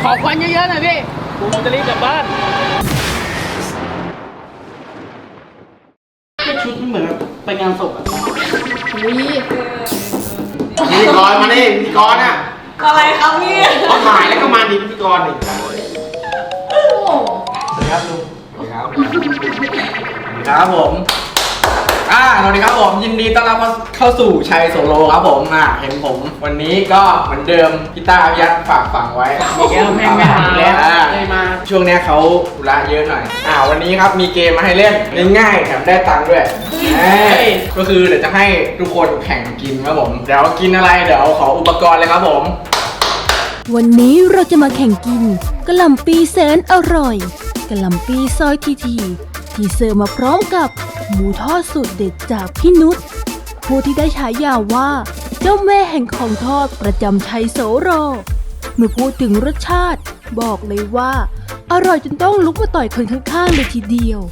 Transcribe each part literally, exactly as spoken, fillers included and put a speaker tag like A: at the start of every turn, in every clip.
A: อควันเยอะๆหน่อยพี่กูจะรีบกลับบ้านชุดมันเหมือนแบบไปงานศพอ่ะอุ้ย
B: พิธีกรมาดิพิธีกรอ่ะ
C: อะไรครับพี่
B: เขาถ่ายแล้วก็มาดิพิธีกรดิ
C: โอ้
B: สวัสดีครับลุงสวัสดีครับสวัสดีครับผมอ่าสวัสดีครับผมยินดีต้อนรับเข้าสู่ชัยโซโลครับผมอ่าเห็นผมวันนี้ก็เหมือนเดิมพี่ต้าพี่ยัดฝากฝังไว้
A: มีแก้วแม่งไม่หาแล้ว
B: เลยมาช่วงนี้เขาธุระเยอะหน่อยอ่าวันนี้ครับมีเกมมาให้เล่นง่ายๆแถมได้ตังค์ด้วยก็คือเดี๋ยวจะให้ทุกคนแข่งกินครับผมเดี๋ยวกินอะไรเดี๋ยวขออุปกรณ์เลยครับผม
D: วันนี้เราจะมาแข่งกินกะหล่ำปีแสนอร่อยกะหล่ำปีซอยทีทีที่เสิร์ฟมาพร้อมกับหมูทอดสูตรเด็ดจากพี่นุชผู้ที่ได้ฉายาว่าเจ้าแม่แห่งของทอดประจำชัยโสโรเมื่อพูดถึงรสชาติบอกเลยว่าอร่อยจนต้องลุกมาต่อยคนข้างๆเลยทีเดียว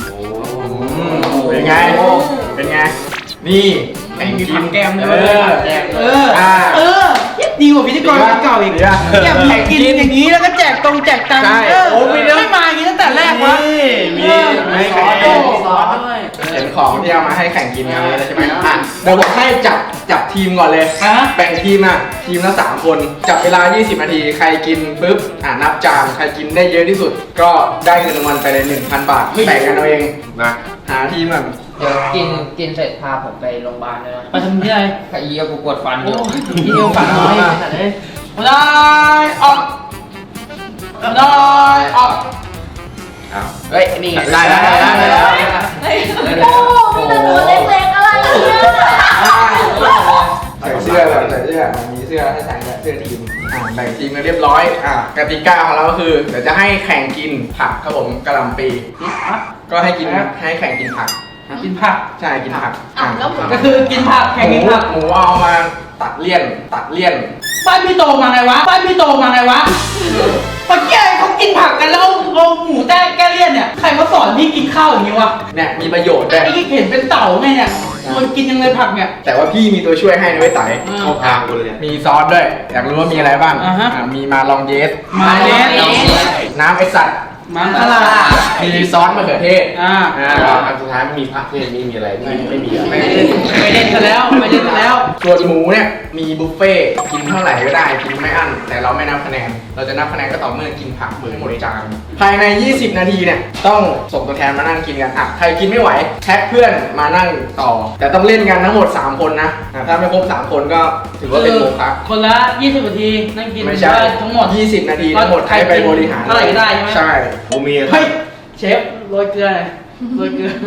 B: เป็นไงเป็นไงนี่ไอ้มีผักแก้มด้วยเออเออ
A: ดีกว่าพิธีกรเก่าอีกแก้มแข่งกินอย่างนี้แล้วก็แจกตรงแจกตังค์โอ้ไม่ไม่มาอย่างนี้ตั้งแต่แรกวะ
B: มีไม่แข่งซอสด้วยเห็นของที่เอามาให้แข่งกินกันเลยใช่ไหมอ่ะเดี๋ยวผมให้จับจับทีมก่อนเลยแบ่งทีมอ่ะทีมละสามคนจับเวลายี่สิบนาทีใครกินปุ๊บอ่ะนับจานใครกินได้เยอะที่สุดก็ได้เงินรางวัลไปเลย หนึ่งพัน บาทแบ่งกันเอาเองนะหาทีมแบบ
E: เดี๋ยวกินกินเสร็จพาผมไปโรงพยาบาลเลยนะ
A: ไปทำที่ไหน
E: ไอ้เหี้ยกูปวดฟันอยู่
A: ที่เดียวฟันน้อยขนาดนี้มาได้ออกมาได้ออก
E: เฮ้ยนี่
B: ได้แล้วได้แล้วได้แล้ว
C: โอ้มีแต่ตัวเล็กๆอะไรเนี่ย
B: ใส่เสื้อแบบใส่เสื้อมีเสื้อให้ใส่เสื้อทีมอ่าแบ่งทีมกันเรียบร้อยอ่ากติกาของเราก็คือเดี๋ยวจะให้แข่งกินผักครับผมกะหล่ำปีก็ให้กินให้แข่งกินผัก
A: กินผัก
B: ใช่กินผัก
A: ก็คือกินผักแข่งกินผัก
B: หมูเอามาตัดเลี่ยนตัดเลี่ยน
A: บ้านพี่โตมาไงวะบ้านพี่โตมาไงวะปะเกี้ยเขากินผักกันแล้วเอาหมูแต้แก้เลี่ยนเนี่ยใครมาสอนพี่กินข้าวอย่างนี้วะ
B: เนี่ยมีประโยชน์ด้วย
A: ไอ้ที่เห็นเป็นเต่าไงเนี่ยมันกินยังไงผักเนี่ย
B: แต่ว่าพี่มีตัวช่วยให้นะไว้ไต่เข้าทางกูเลยมีซอสด้วยอยากรู้ว่ามีอะไรบ้างมีมาลองเยส
A: มาเยส
B: น้ำไอสัตว์
A: มันอะไร
B: มีซอสมะเขือเทศ
A: อ่า
B: อันสุดท้ายมีผักเทศนี่มีอะไรไม่ไม่มี
A: ไม่ไม่เล่นซะแล้วไม่เล่นซะแล้ว
B: ส่วนหมูเนี่ยมีบุฟเฟ่กินเท่าไหร่ก็ได้กินไม่อั้นแต่เราไม่นับคะแนนเราจะนับคะแนนก็ต่อเมื่อกินผักหมือหมดจานภายในยี่สิบนาทีเนี่ยต้องส่งตัวแทนมานั่งกินกันอ่ะใครกินไม่ไหวแท็กเพื่อนมานั่งต่อแต่ต้องเล่นกันทั้งหมดสามคนนะถ้าไม่ครบสามคนก็ถือว่าเป็นโมฆะ
A: คนละยี่สิบนาทีนั่งกิน
B: ไม่ใช่
A: ทั้งหมด
B: ยี่สิบนาทีทั้งหมดใครไปบริหาร
A: เท่าไหร่ก็ได้ใช่ไหม
B: ใช่ผมมี
A: เฮ้ยเชฟโรยเกลือโรยเกลือ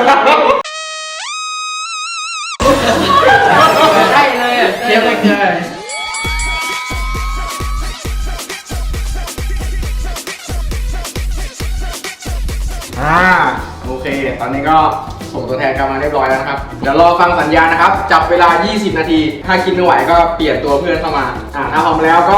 A: ใช่เลยเชฟโรยเกลือ
B: อ่าโอเคตอนนี้ก็ส่งตัวแทนกลับมาเรียบร้อยแล้วนะครับเดี๋ยวรอฟังสัญญาณนะครับจับเวลายี่สิบนาทีถ้ากินไม่ไหวก็เปลี่ยนตัวเพื่อนเข้ามาอ่าถ้าพร้อมแล้วก็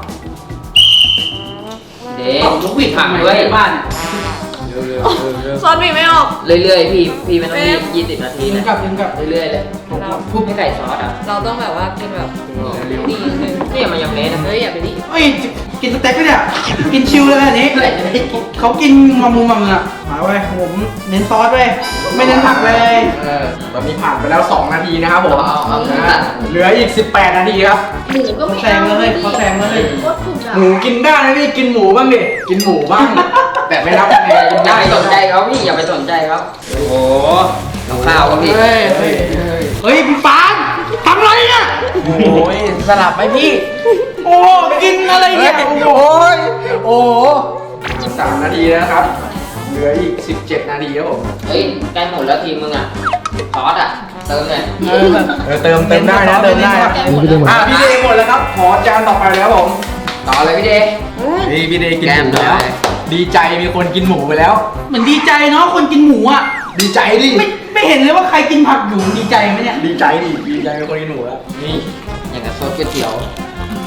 E: เด็กลูกบิดผักด้วย
A: บ้าน
C: ซอสบีไม่ออก
E: เรื่อยๆพี่พี่ไม่ต้องรีบยี่สิบนาทีนะ
A: กับยิงกับ
E: เรื่อยๆเลยพูดให้ไก่ซอสอ่ะ
C: เราต้องแบบว่ากินแบบดีนึง
E: นี่มันยังเละนะ
C: เฮ้ยอย่าไปดิ
A: เฮ้ยกินสเต็กก็เนี่ยกินชิวเลยอันนี้เขากินมามูมาเมือมาไว้ผมเน้นซอสไว้ไม่เน้นผักเลย
B: ตอนนี้ผ่านไปแล้วสองนาทีนะครับผมเหลืออีกสิบแปดนาทีครับ
C: หมูก็ไม่
A: แซงเลยเขาแซงเลย
B: หมูกินได้นะพี่กินหมูบ้างดิกินหมูบ้างแต่ไม่รับคะแนน
E: อย่าไปสนใจเขาพี่อย่าไปสนใจเขา
B: โอ้โห
E: ข้าวก็พี่
A: เฮ้ยเฮ้ยพี่ปานทำอะไรเนี่ย
B: โอ้ยสลับไหมพี่
A: โอ้กินอะไรเนี่ย
B: โอ้ยโอ้สามนาทีนะครับเหลืออีกสิบเจ็ดนาทีครับผม
E: เฮ้ยใกล้หมดแล้วทีมมึงอ่ะซอสอ่ะเติมเลย
B: เออเติมเติมได้นะเติมได้อ่ะพี่เดย์หมดแล้วครับขอจานต่อไปแล้วผม
E: ต่อเลยพี่เดย์
B: นี่พี่เดย์กินหมูแล้วดีใจมีคนกินหมูไปแล้ว
A: เหมือนดีใจเนาะคนกินหมูอ่ะ
B: ดีใจดิ
A: ไม่ไม่เห็นเลยว่าใครกินผักอยู่ดีใจไหมเนี่ย
B: ดีใจดิดีใจมีคนกินหมูแล้วนี่
E: อย่างกับซอสก๋วยเตี๋ยว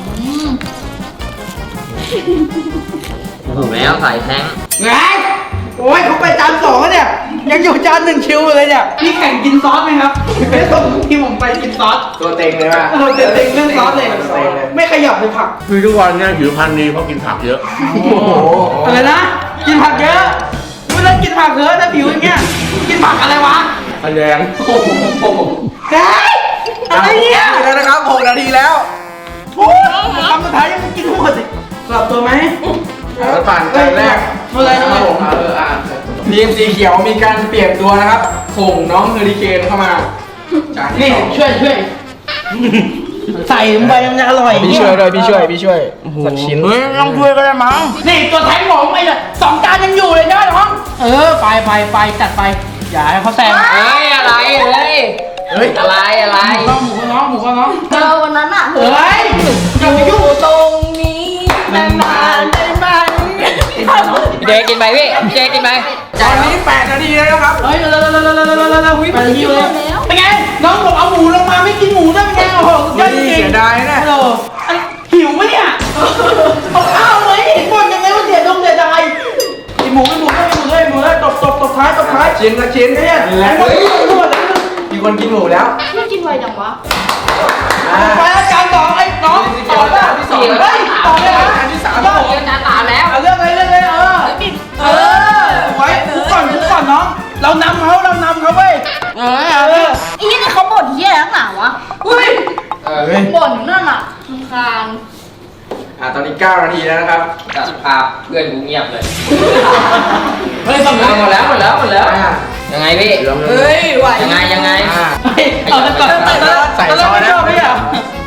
E: ถูกแล้วใส่แทง
A: ไงโอ้ยเขาไปจานสองแล้วเนี่ยยังอยู่จานหนึ่งชิวเลยเนี่ยพี่แข่งกินซอสไหมครับไม่ต้องที่ผมไปกินซอส
B: ตัวเต็งเลยป่ะ
A: เราเต็งๆเรื่องซอสเลยไม่ขยับเลยผัก
F: คือทุกวันเนี่ยผิวพรรณดีเพราะกินผักเยอะ
B: โอ้โห
A: อะไรนะกินผักเยอะไม่ต้องกินผักเยอะนะผิวอย่างเงี้ยกินผักอะไรวะ
F: พะแยง
A: เฮ้ยอะไรเนี่ย
B: แล้วนะครับหกนาทีแล้ว
A: โอ้ยคำสุดท้ายยังไม่กินหมดสิกลับตัวไหม
B: แล้วผ่านจานแรก
A: เมื่อไร
B: ค
A: นะ
B: รับผมเอออ่ะทีมสีเขียวมีการเปลี่ยนตัวนะครับ ส่งน้องเฮอริเคนเข้ามาจานที่
A: นี่
B: สอง
A: ช่วยช่วยใส่ลงไปมันจะอร่อย
B: พี่ช่วยด้วยพี่ช่วยพี่ช่วยสักชิ้น
F: เฮ้ยต้องช่วยก็ได้มั้ง
A: นี่ตัวแทงหมองไอ้เนี่ยสองจานยังอยู่เลยใช่ไหมน้องเออไปไปไปจัดไปอย่าให้เขาแซง
E: เฮ้ยอะไรเฮ้ย
B: เฮ้ย
E: อะไรอะไร
A: น้องหมูก็น้องหมูก็น้อง
C: เจอวันนั้นอ่ะ
A: เฮ้ยอย่าไปยุ่ง
C: ตรงนี้นานๆได้ไหม
E: เจกินไปพี่เจกินไป
B: ตอนนี้แปดนาทีแล้วนะครับ
A: เฮ้ยเร็วเร็วเร็วเร็วเร็วเร็วเร็วเร็วเร็วไปทีเลยเป็นไงน้องบอกเอาหมูลงมาไม่กินหมูได้เป็นไงโอ้โหสุดยอดจริง
B: เสียดายนะ
A: ฮัลโหลหิวไหมเนี่ยเอาข้าวไหมเห็นบ่นยังไงว่าเสียดงเสียดายไอหมูไอหมูไอหมูเลยหมูเลยตบตบตบท้ายตบท้าย
B: ชิ้นละชิ้น
A: เนี่ย
B: แล้ว
A: หมดหมด
B: มีคนกินหมูแล้ว
C: ไม่กินไวจังวะ
A: ไปแล้วจานสองไอ้น้องต่อได้ที่สองเฮ้ยต่อเลยนะ
B: อันที่สาม
A: ยอด
E: เดี๋ยวจานสามแล้ว
A: เอาเรื่องเลยเรื่องเลยเออเออไว้ทุกก่อนทุกก่อนน้องเรานำเขาเรานำเขาเว้ยเออเออ
C: ไอ้ยี่นี่เขาบ่นเหี้ยนักหนาวะอุ้ย
E: เออ
B: เฮ้ย
C: บ่นอยู่นั่นอ่ะรำคาญ
B: อ่ะตอนนี้เก้านาทีแล้วนะครับ
E: จัดภาพเพื่อนกูเงียบเลยเฮ้ยหมดแล้วหมดแล้วหมดแล้วหมดแล้ว
B: อ่ะ
E: ยังไงพี่
C: เฮ้ยไหว
E: ยังไงยังไง
B: อ่ะ
A: เอาแต่ก่อน
B: ใส่ซอสนะ
A: ไม่อ่ะ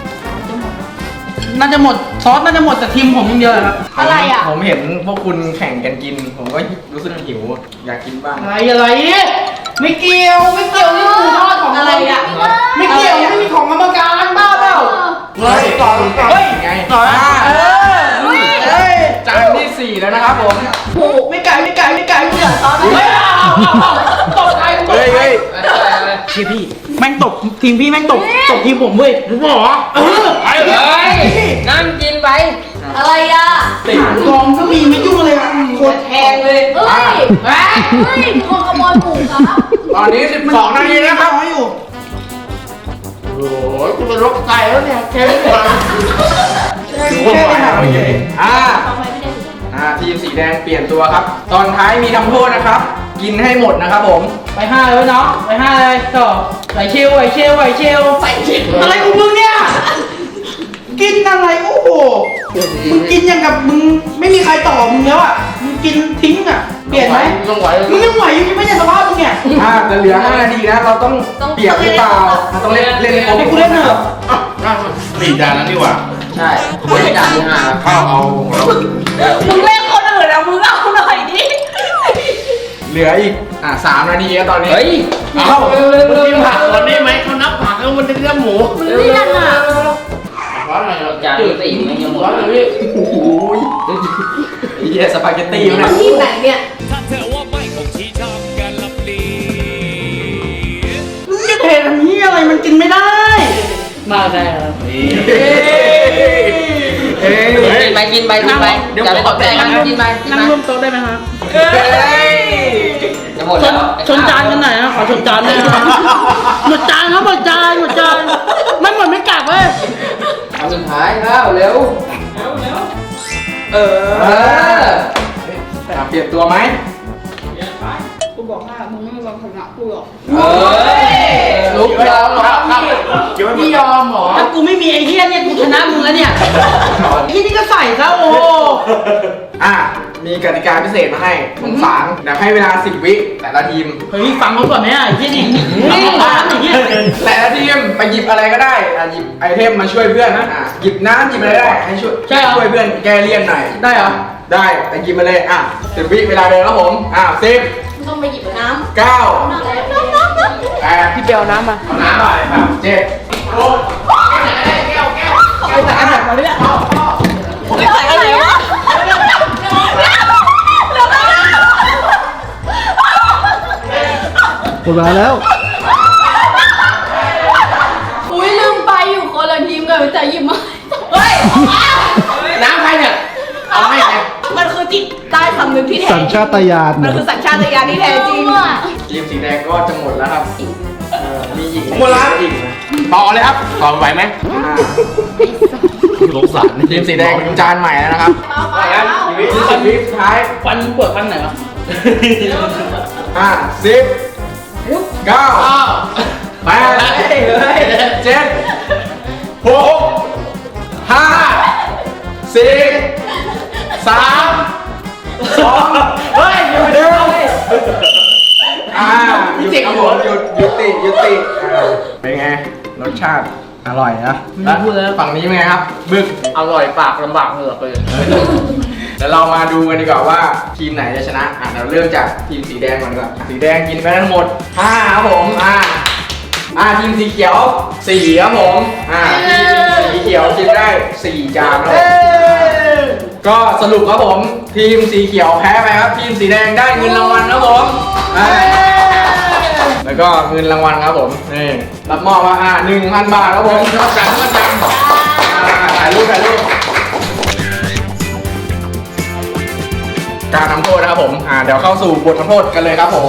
A: น่าจะหมดซอสน่าจะหมดแต่ทีมผมอย่างเดียวครับ
C: อะไรอ่ะ
B: ผมเห็นพวกคุณแข่งกันกิน ผมก็รู้สึกหิว อยากกินบ้าง
A: อะไรอะไรไม่เกี่ยวไม่เกี่ยวนี่หมูทอดของ
C: อะไรอ่ะ
A: ไม่เกี่ยวไม่มีของกรรมการบ้าเปล่า
B: เฮ้ยต่อต่อ
A: เฮ้ย
B: ไง
A: ต่อนะเออเฮ้ย
B: จานที่สี่แล้วนะครับผม
A: โอ้ไม่ไก่ไม่ไก่ไม่ไก่ไม่ไก่ซอสเฮ้ยเอาเอาเอาตบใครตบ
B: เฮ้ย
A: ใคร
B: เฮ้ย
A: เชี่ยพี่แม่งตบทีมพี่แม่งตบตบทีมผมเว้ยรู้ป่ะเออไอ้
E: เฮ้ยนั่งกินไป
C: อะไรอ่ะ
A: ติดกองก็มีไม่ยุ่งเลยโคตรแพงเลย
C: เฮ้ย
A: เฮ้ย
C: เฮ้ยมีคนขโมยหมูครับ
B: ตอนนี้สิบสองนาทีแล้วครับ
A: น้อยอยู่
F: โอ้ยกูเป็นโรคไตแล้วเนี่ยแค่นี้มา
A: แค่ไปหาไม่เจอ
B: อ่า
C: เอาไปไม่ได้ถึง
B: อ่าทีมสีแดงเปลี่ยนตัวครับ ตอนท้ายมีทำโทษนะครับ กินให้หมดนะครับผม
A: ไปห้าเลยน้องไปห้าเลยต่อไหวเชลไหวเชลไหวเชลไหวเชลอะไรของมึงเนี่ยกินอะไรโอ้โหมึงกินอย่างกับมึงไม่มีใครต่อมึงแล้วอ่ะมึงกินทิ้งอ่ะเปลี่ยนไหม
F: ต้องไหว
A: มึงยังไหวอยู่ไม่ใช่สภาพมึงเนี่ย
B: อ่าจะเหลือห้านาทีนะเราต้องเปรียบหรือเปล่าเราต้องเล่นเล่นให้ครบ
A: ให้กูเล่นเถอะ
F: สี่จานแล้วนี่หว่า
E: ใช่ไม่จานที่ห้าครับ
F: ข้าวเอาของเรา
C: มึงเล่นคนอื่นอ่ะมึงเอาหน่อยดิ
B: เหลืออีกอ่าสามนาทีแล้วตอนนี้
E: เฮ้ย
F: เอ้ามึงกินผักก่อนได้ไหมเขานับผักแล้วมันจะเรียกหมู
C: มึงเลี่ยนอ่ะ
F: เพราะอะไรเรา
E: จานที่สี่ไม่ยังหมด
F: เพราะอะไรพี่
B: โอ้โหไอ้เหี้ยสปาเกตตี้
C: นี่
B: มั
C: มัน นที่ไหนเนี่ย
G: ถ้าเธอว่าไม่คงชี้ชอบกันลับลี
A: มึงจะเททำนี้อะไรมันกินไม่ได้ มาได้ครับ
B: เฮ้ยเฮ้ย
E: กินไปกินไปกินไปอย่าไปตกใจกันกินไปกิน
A: นั่ง
E: ไป
A: ร่วมโต๊ะได้ไหมครับ
B: เฮ้ย
E: จะหมด
A: ช
E: แล้
A: น
E: ว
A: ชนจานกันหน่อยนะขอชนจานด้วยนะครับหมดจานครับหมดจานหมดจานไม่หมดไม่กลับเว้ย
E: เอาสุดท้ายแล้วเร็ว
B: เอออ่ะเปลี่ยนตัวไหม
C: กูบอกว่ามึงไม่มีวันชนะกูหรอก
E: เอ้ยลุกแล้วครับ
F: ไม่ยอมหรอ
A: ถ้ากูไม่มีไอ้เหี้ยเนี่ยกูชนะมึงแล้วเนี่ยไอ้นี่ก็ใส่ซะโอ้
B: อ่ะมีกติกาพิเศษมาให้สงสารเดี๋ยวให้เวลาสิบวิแต่ละทีม
A: เฮ้ยฟังเขาก่อนไหมอ่ะไอ้เหี้ยนี่ฟังเขาก่อนไอ้เหี้ย
B: แต่ละทีมไปหยิบอะไรก็ได้อ่ะหยิบไอเทมมาช่วยเพื่อนนะอ่ะหยิบน้ำหยิบอะไรได้ให้ช่วยช่วยเพื่อนแก้เลี่ยนหน่อย
A: ได้เหรอ
B: ได้ไปหยิบมาเลยอ่ะสิบวิเวลาเดินครับผมอ่ะสิบ
C: มึงต้องไปหยิบน้ำ
B: เก้า
C: น้ำน้ำน้ำน้ำ
B: แปดพี่เปียวน้ำมาเอาน้ำหน่อยครับเจ็ดหก
A: ไปแต่อันไหนมาเนี่ย
C: ไม่ใส่อะไรวะ
A: หมดเวลาแล้ว
C: อุ้ยลืมไปอยู่คนละทีมกันแต่หยิบมาเฮ้ย
F: น้ำใครเนี่ยเอาให้ใคร
C: มันคือจิตใต้สำนึกที่แท้
H: สัญชาตญาณ
C: มันคือสัญชาตญาณที่แท้จริง
B: ทีมสีแดงก็จะหมดแล้วครับเออมีหญิง
F: หมดแล้ว
B: หญิงนะ
F: ต่อเลยครับต่อไหวไหม
B: อ่า
F: สงสาร
B: ทีมสีแดงจานใหม่แล้วนะครับ
C: ไปแล้ว
B: ชีวิตสิบวิสุดท้าย
A: ฟันปวดฟันไหนวะ
B: ห้าสิบเก้าแปดเจ็ดหกห้าสี่สามสองเฮ้ยหยุดเดี๋ยวอ่าหยุดครับผมหยุดยุติยุติอ่าเป็นไงรสชาติอร่อยนะแล้วฝั่งนี้เป็นไงครับบึก
E: อร่อยปากลำบากเหงือกเลย
B: เดี๋ยวเรามาดูกันดีกว่าว่าทีมไหนจะชนะอ่ะเราเริ่มจากทีมสีแดงก่อนดีกว่าสีแดงกินไปทั้งหมดห้าครับผมอ่าอ่าทีมสีเขียวสี่ครับผมอ่าทีมสีเขียวกินได้สี่จานครับผมก็สรุปครับผมทีมสีเขียวแพ้ไปครับทีมสีแดงได้เงินรางวัลครับผมอ่าแล้วก็เงินรางวัลครับผมนี่รับมอบมาอ่าหนึ่งพันบาทครับผมรับจังรับจังอ่าถ่ายรูปถ่ายรูปการทำโทษนะครับผม อ่า เดี๋ยวเข้าสู่บททำโทษกันเลยครับผม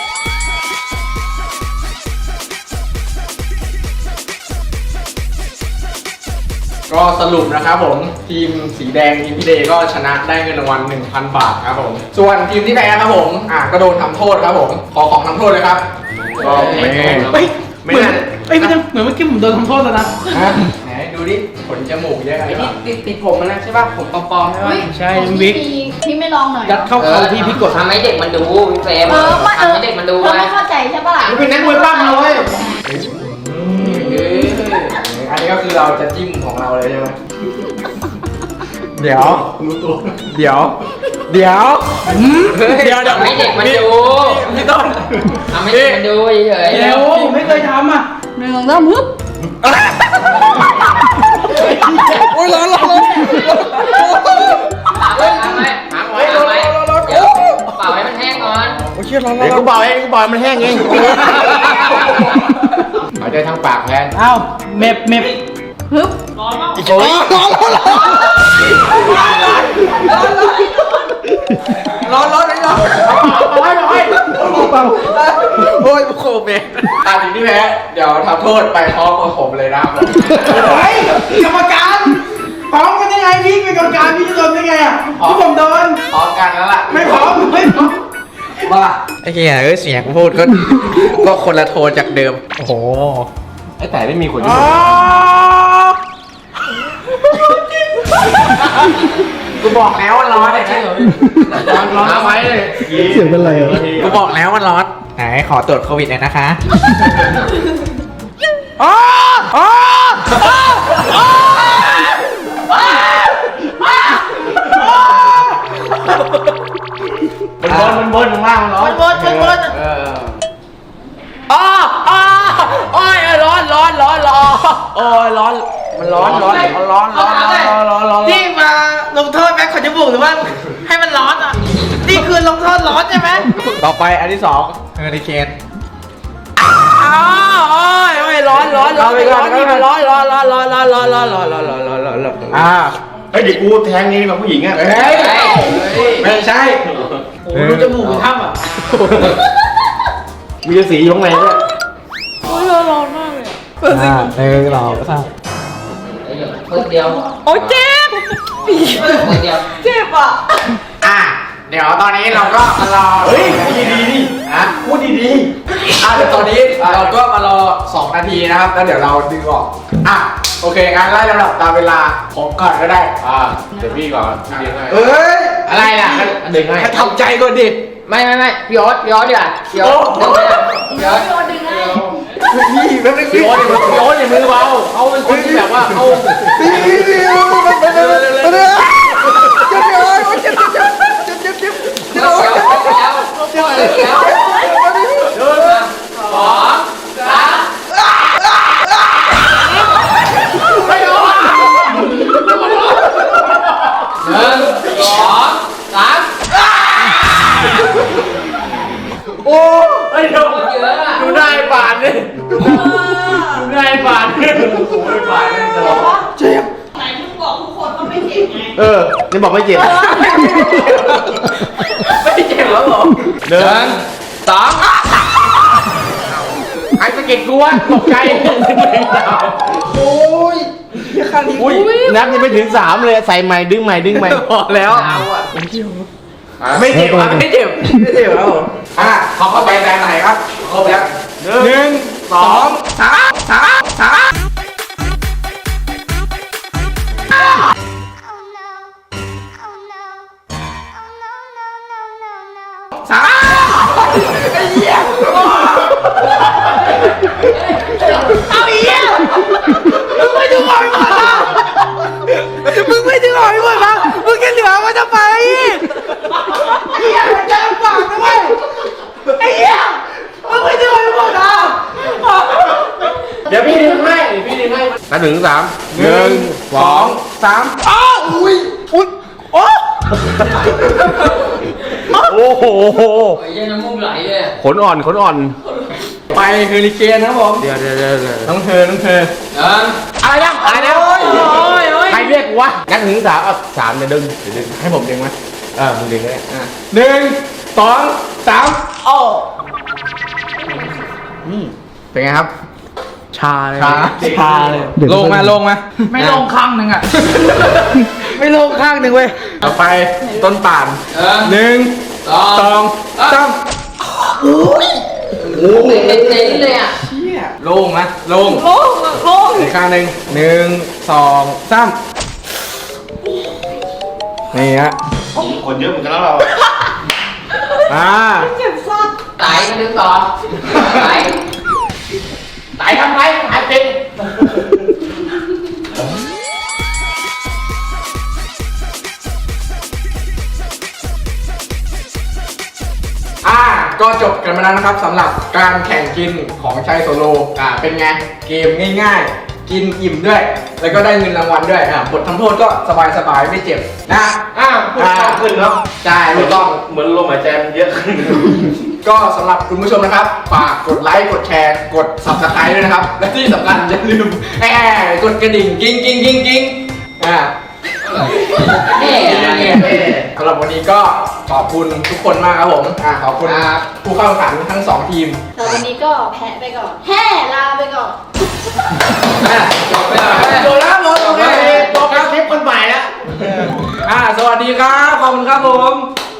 B: ก็สรุปนะครับผม ทีมสีแดงทีมพี่เดย์ก็ชนะได้เงินรางวัล หนึ่งพัน บาทครับผม ส่วนทีมที่แพ้ครับผม อ่าก็โดนทำโทษครับผม ขอของทำโทษเลยครับก็ไม่
A: เฮ้ย
B: ไม่
A: เหมือน
B: นั่น
A: เอ้ยไม่ใช่เหมือนเมื่อกี้ผมโดนทำโทษแล้วนะ
B: ฮะไหนดูดิขนจมูกเยอะขนาดนี้
E: ติดติดผมมันนะใช่ป่ะผมปลอมๆใช่ป่ะ
A: ใช่วิก
C: พี่ไม่ลองหน่อย
A: ยัดเข้าเขาที่พี่กด
E: ทำให้เด็กมันดูพี่เฟรม
C: เออมาเออ
E: ทำให้เด็กมันดู
C: เรา
E: ไง
C: ไม่เข้าใจใช่ปะล่ะ
F: เป็นนักมวยปั้มนะเว้ย
B: อันนี้ก็คือเราจะจิ้มของเราเลยใช่ไหมเดี๋ยว เดี๋ยว เดี๋ยวเดี๋ยวเดี๋ยว
E: ทำให้เด็กมันดู
B: พี่ต้น
E: ทำให้เด็กมันดูเฉยๆ
A: เดี๋ยวผมไม่เคยทำอ่ะ
C: หนึ่งสองฮึบ
B: โอ้ยร้อนร้อน
E: หาไว้หาไว้หาไว้หาไว้เดี๋ยวเป่าให้มันแห้งก่อน
B: โอ้ยเชี่ยร้อนร้
F: เดี๋ยว
B: อน
F: กูเบาเองกูเบามันแห้งเองหายใจทางปากแทน
A: อ้าวเม็บเม็บ
C: ฮึบ
B: โอ้ยร้อนร้อนร้อนร้อนร้อนร้อนร้อนร้อนโอ้ยโคเมนอ่ะทีนี้แพ้เดี๋ยวทำโทษไปพร้อมกับผมเลยนะครับ
A: เฮ้ยกรรมการพร้อมกันยังไงพี่เป็นกรรมการพี่จะโดนได้ไงอ่ะที่ผมโดน
B: พร้อมกันแล้วล่ะ
A: ไม่พร้อมไม่พร้อม
B: ว่าไอ้เหี้ยเอ้ยเสียงพูดก็ ก็คนละโทนจากเดิม โอ้โห
F: ไอ้แต่ไม่มีคน
A: อ๋อ
B: กูบอกแล้วว่าร้อนไอ้เหี้ย
F: ร้อนไว้เลย
H: เสียงเป็นไรอ่ะ
B: กูบอกแล้วว่าร้อนไหนขอตรวจโควิดหน่อยนะคะอ๋ออ๋ออ๋อ
F: มันบนมันบนข้างล่างมันร้อน
A: บนบนบน
B: เอออ๋ออ๋อโอ้ยร้อนร้อนร้อนร้อนโอ้ยร้อนมันร้อนร้อนร้อนร้อนร้อนร้อนร้อน
A: นี่มาลงโทษแม็กขนจมูกหรือว่าให้มันร้อนอ่ะนี่คือลงโทษร้อนใช่ไหม
B: ต่อไปอันที่สองเฮอริเคนอ้าวโอ้ยโอ้ยร้อนร้อนร้อนร้อนนี่มันร้อนร้อนร้อนร้อนร้อนร้อนร้อนร้อนร้อนร้อนร้อนร้อนร้อนอ่า
F: เฮ้ยเดี๋ยวกูแทงนี่กับผู้หญิงอ่ะ
B: เฮ้ยไม่ใช่
A: โอ้ดูจมูกเป็นถ้ำอ่ะ
F: มีสีอยู่ข้างในด้วย
B: อ่าหนึ่งสองสาม
E: เพิ่งเดียว
A: โอ้เจ็บ
E: เพิ่งเดียว
A: เจ็บอ่ะ
B: อ่ะเดี๋ยวตอนนี้เราก็มารอ
F: เฮ้ยดีดีดี
B: อ่ะ
F: พูดดีดี
B: อ่ะเดี๋ยวตอนนี้เราก็มารอสองนาทีนะครับแล้วเดี๋ยวเราดึงออกอ่ะโอเคงั้นไล่ลำดับตามเวลาผมก่อนก็ได้
F: อ่าเดี๋ยวพี่ก่อนพี่เลี้ยงให้
B: เอ้ย
E: อะไรล่ะ
F: ดึงให้
B: ให้ทำใจก่อนดิ
E: ไม่ไม่ไม่พี่โอ๊ตพี่โอ๊ตดีกว่าพี่โอ๊ตดึงเลยพี่โอ๊ต
C: โดนดึงไง
B: พี่แป๊บนึง
F: พี่โอ๊ตอย่าพี่โอ๊ตอย่ามือเบาเขาเป็นคนที่แบบว่าเขา
B: พี่พี่พี่มันเป็นอะไรมันเป็นอะไรเจ็บเลยเจ็บเจ็บเจ็บเจ็บเจ็บเจ็บ
E: เดี๋ยวเดี๋ยวเดี๋ยวเดี๋ยวเดี๋ยวสองสามหนึ่งสองสาม
F: โอ้ยเดี๋ยว
E: เยอะอะ
F: ดูได้บาทเลยดูได้บาทเลยโอ้ยบาทเลยเดี๋ยว
C: ไหนมึงบอกทุกคนว่าไม่เจ็บไง
F: เออนี่บอกไม่เจ็บ
B: ไม่เจ็บแล้วเหรอ
F: หนึ่ง
E: สอง
F: ไอ้สะเก็ดกูวะตกใจ
B: โอ้ยเหี้ยข้างนี้
F: อุ้ยนับยังไม่ถึงสามเลยใส่ใหม่ดึงใหม่ดึงใหม่
B: พอแล้ว
E: เอาอ่ะ
B: ไม่เจ็บอ่ะไม่เจ็บไม่เจ็บแล้วผมอ่ะขอเข้าไปแบรนด์ไหนครับครบแล้วหนึ่งสองสามสามสาม สามไอ้เหี้ยเอาอีกแล้วมึงไม่ดึงออกไปหมดนะมึงไม่ดึงออกไปหมดนะมึงแค่เหลือมันจะไปไอ้เหี้ยมันจะลำบากนะเว้ยไอ้เหี้ยมึงไม่ดึงออกไปหมดนะ
F: เดี๋ยวพี่ดึงให้พี่ดึงให้นับหนึ่งสามหนึ่งสองสาม
B: อ้าวอุ้ยอุ้ยโอ้
F: โอ้โห
E: ไอ้เหี้ยังน้ำมูกไหลเลย
F: ขนอ่อนขนอ่อน
B: ไปเฮอริเกนนะครับผม
F: เดี๋ยวเดี๋ยวเดี๋ยวเดี๋ยว
B: น้องเธอน้องเธอ
E: หนึ่ง
F: อะไรนะอะไรนะ
B: โอ้ยโอ้ยโอ้ย
F: ใครเรียกกูวะนับถึงสามเอาสามเนี่ยดึงเดี๋ยวดึง
B: ให้ผมดึงไหม
F: เออมึงดึงก็ได้
B: อ่ะหนึ่งสองสามโอ้เป็นไงครับ
F: ชาเลย
B: ชาชาเลยลงมาลงมา
A: ไม่ลงข้างหนึ่งอ่ะ
B: ไม่ลงข้างหนึ่งเว้ยต่อไปต้นป่าน
E: หนึ่ง
B: หนึ่ง
E: สอง
B: สองสาม
E: เจ๋งๆเลยอ่ะ
B: เชี่ยลงนะลง
C: โอ้โห
B: อีกข้างหนึ่งหนึ่งสองสามนี่ฮะ
F: คนเยอะเหมือนกันแล้วเรา
B: อ่า
E: ไต่มาดึงต่อไต่
F: ไต่ทำไรหายเป็น
B: อ่าก็จบกันมาแล้วนะครับสำหรับการแข่งกินของชัยโซโลอ่าเป็นไงเกมง่ายๆ กินอิ่มด้วย แล้วก็ได้เงินรางวัลด้วยอ่าบททำโทษก็สบายๆไม่เจ็บนะ
F: อ้าวพูดมากขึ้นเนาะ
B: ใช่ถูกต้อง
F: เหมือนลมหายใจมันเยอะขึ้น
B: ก็สำหรับคุณผู้ชมนะครับฝากกดไลค์กดแชร์กด ซับสไครบ์ ด้วยนะครับ และที่สำคัญอย่าลืมแอบกดกระดิ่งกิ้งกิ้งกิ้งกิ้งอ่า
E: เฮ้ยอะไรอ่ะ
B: สำหรับวันนี้ก็ขอบคุณทุกคนมากครับผมอ่าขอบคุณผู้เข้าแข่งขันทั้งสองทีม
C: แต่วันนี้ก็แพ้ไปก่อน แห่ลาไปก่อน
B: อ่ะจบไปแล้วจบแล้วหมดโอเคจบ
F: คลิปคนใหม่แล้ว
B: อ่าสวัสดีครับขอบคุณครับผม